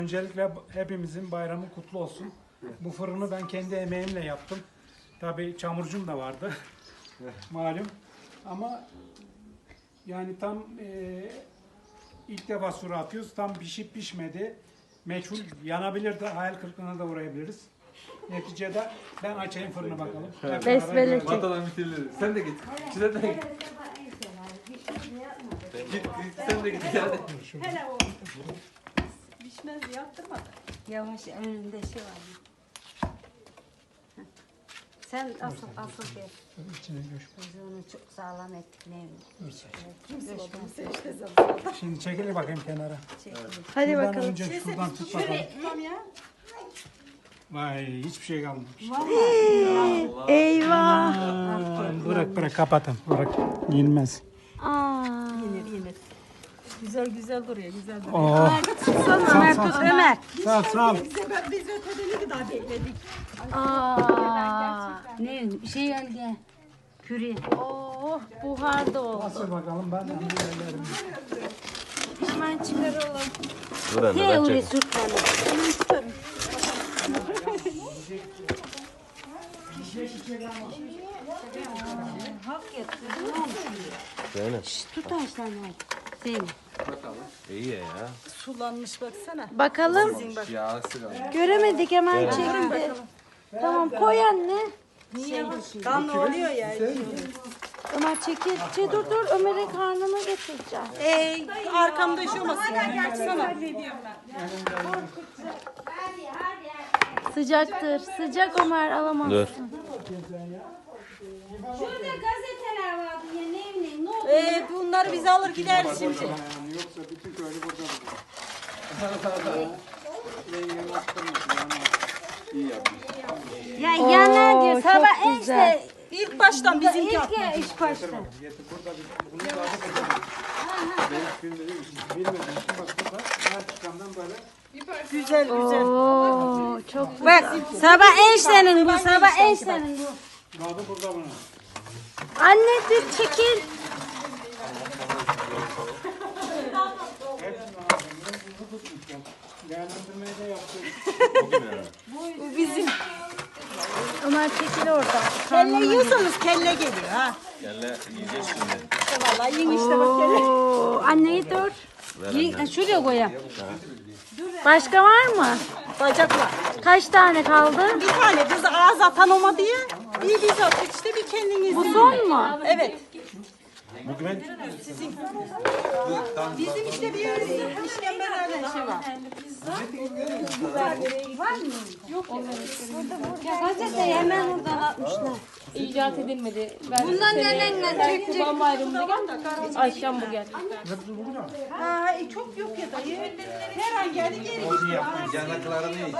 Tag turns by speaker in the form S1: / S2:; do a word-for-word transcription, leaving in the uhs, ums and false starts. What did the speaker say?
S1: Öncelikle hepimizin bayramı kutlu olsun. Bu fırını ben kendi emeğimle yaptım. Tabii çamurcum da vardı. Malum. Ama yani tam e, ilk defa sura atıyoruz. Tam pişip pişmedi. Meçhul yanabilirdi. Hayal kırıklığına da uğrayabiliriz. Neticede ben açayım fırını bakalım. Hep
S2: Besmele
S1: beraber
S2: çek.
S1: görelim.
S3: Atadan bitirilir. Sen de git. Size de git. Git, git sen de git. Hadi.
S4: Hele o pişmez yaptırmadı.
S2: Yavaş önünde şey var. Sen asıl asıl gel.
S1: İçine göç.
S2: Biz onu çok sağlam ettik ne
S4: İşte
S1: Şimdi çekil bakayım kenara.
S2: Hadi
S1: Şuradan
S2: bakalım.
S1: önce şuradan tut bakalım.
S4: Tamam ya.
S1: Vay hiçbir şey kalmamış.
S2: Eyvah.
S1: Aa, bırak bırak kapatın. Bırak. Yenmez.
S2: Aa.
S4: Yenir yenir. Güzel güzel duruyor güzel duruyor.
S1: Oh.
S2: Son Ömer tut Ömer.
S1: Sağ ol, sağ ol.
S4: Biz, de, biz ötede ne kadar bekledik.
S2: Aa. Ne şey geldi. Püri. Oh buhar da oldu.
S1: Nasıl bakalım ben de ellerim.
S2: Pişman çıkaralım.
S3: Dur anne
S2: He
S3: ben
S2: oraya
S3: çek.
S2: sürt bana. Hak yaptı.
S3: Zeynep.
S2: Tut Ayşen Zeynep.
S3: İyi ya.
S4: Sulanmış baksana.
S2: Bakalım.
S3: Yağsı kaldı.
S2: Göremedik hemen çekti. Tamam koy anne.
S4: Kan ne oluyor ya?
S2: Ömer çekil. Şey, dur dur Ömer'in karnına getireceğim.
S4: Ey arkamda üşümesin. Baksana.
S2: Sıcaktır. Sıcak Ömer alamazsın.
S3: Dur.
S2: Şurada gazeteler vardı ya ne bileyim ne oldu?
S4: Ee, bunları biz alır gideriz şimdi.
S1: Yoksa bütün köylü burada.
S2: Ya yanar diyor. Sabah en işte.
S4: İlk baştan bizimki
S2: İlk
S4: atmadı.
S2: ya iş başta.
S1: Getir burada bir bunu tadı kaçırdım. Ben şimdi bilmedim. Şimdi bak burada her çıkandan böyle.
S4: Güzel güzel.
S2: Oo çok bak sabah eniştenin bu sabah eniştenin bu.
S1: Tadı burada bunun.
S2: Anne dur çekil.
S1: Hepsini aldım. Bunu tutmuşum. Değerlendirmeyi de yaptım.
S4: Bu bizim.
S2: Ömer çekil oradan.
S4: Kelle yiyorsanız kelle geliyor ha.
S3: Gel yiyeceğiz şimdi.
S4: Vallahi yiyin işte bak kelle.
S2: Oo, anneyi dur. Yi- Şuraya koyalım. Başka var mı?
S4: Bacaklar.
S2: Kaç tane kaldı?
S4: Bir tane biz ağız atan olma diye. Bir biz attık işte bir kendiniz.
S2: Bu son mu?
S4: Evet.
S3: Bugün
S4: Bizim işte bir işkembelerle şey var.
S2: Gazeteyi hemen oradan atmışlar.
S5: İcat edilmedi. Ben
S2: Bundan nelerle çekecek?
S5: Kurban Bayramı'nda Ayşem bu geldi.
S4: Ha, e, çok yok ya dayı. Her an geldi geri gitti.
S3: yanaklarını